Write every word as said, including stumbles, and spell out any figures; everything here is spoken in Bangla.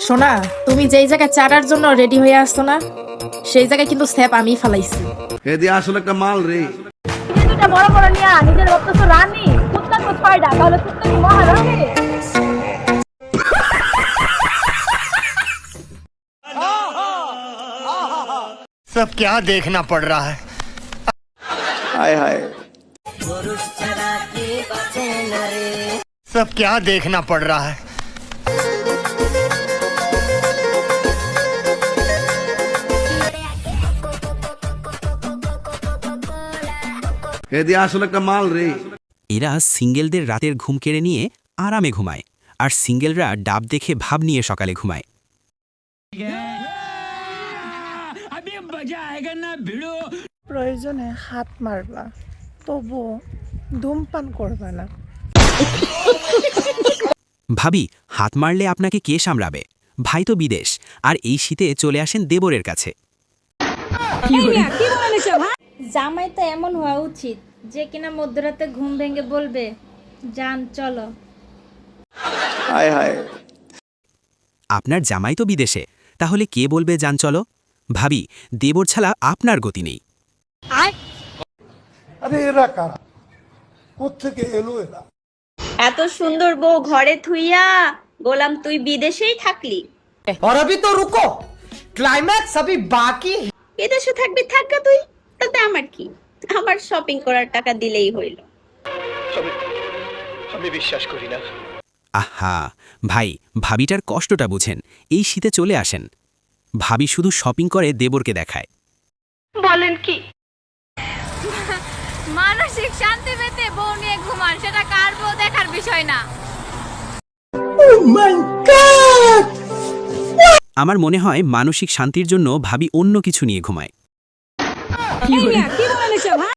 সোনা, তুমি যেই জায়গায় চারার জন্য রেডি হয়ে আসছো না, সেই জায়গায় কিন্তু স্যাপ আমি ফালাইছি। এদি আসলে একটা মাল রে। তুমি দুটা বড় বড় নিয়া নিজের ভাবতেছো রানী, কুত্তা তো ছয়টা, তাহলে কুত্তা কি মহারানী? सब क्या देखना पड़ रहा है। हाय हाय सब क्या देखना पड़ रहा है। এদি আসলে একটা মাল রে। এরা সিঙ্গেলদের রাতের ঘুম কেড়ে নিয়ে আরামে ঘুমায়, আর সিঙ্গেলরা ডাব দেখে ভাব নিয়ে সকালে ঘুমায়। প্রয়োজনে হাত মারবা, তবু ধূমপান করবা না। ভাবি, হাত মারলে আপনাকে কে সামলাবে? ভাই তো বিদেশ, আর এই শীতে চলে আসেন দেবরের কাছে। জামাই তো এমন হওয়া উচিত যে কিনা মধ্যরাতে ঘুম ভেঙে বলবে, যান চলো। হায় হায় আপনার জামাই তো বিদেশে, তাহলে কে বলবে যান চলো? ভাবি, দেবর ছাড়া আপনার গতি নেই। আরে এরা কারা, কোত্থেকে এলো এরা? এত সুন্দর বউ ঘরে থুইয়া গোলাম তুই বিদেশেই থাকলি। और अभी तो रुको, क्लाइमैक्स अभी बाकी। বিদেশে থাকবি থাকা তুই, তাতে আমার কি? আমার শপিং করার টাকা দিলেই হইল। আমি বিশ্বাস করি না। আহা ভাই, ভাবিটার কষ্টটা বুঝেন। এই শীতে চলে আসেন। ভাবি শুধু শপিং করে দেবরকে দেখায়। বলেন কি? মানসিক শান্তি পেতে বউ নিয়ে ঘুমান, সেটা কার বউ দেখার বিষয় না। আমার মনে হয় মানসিক শান্তির জন্য ভাবি অন্য কিছু নিয়ে ঘুমায়।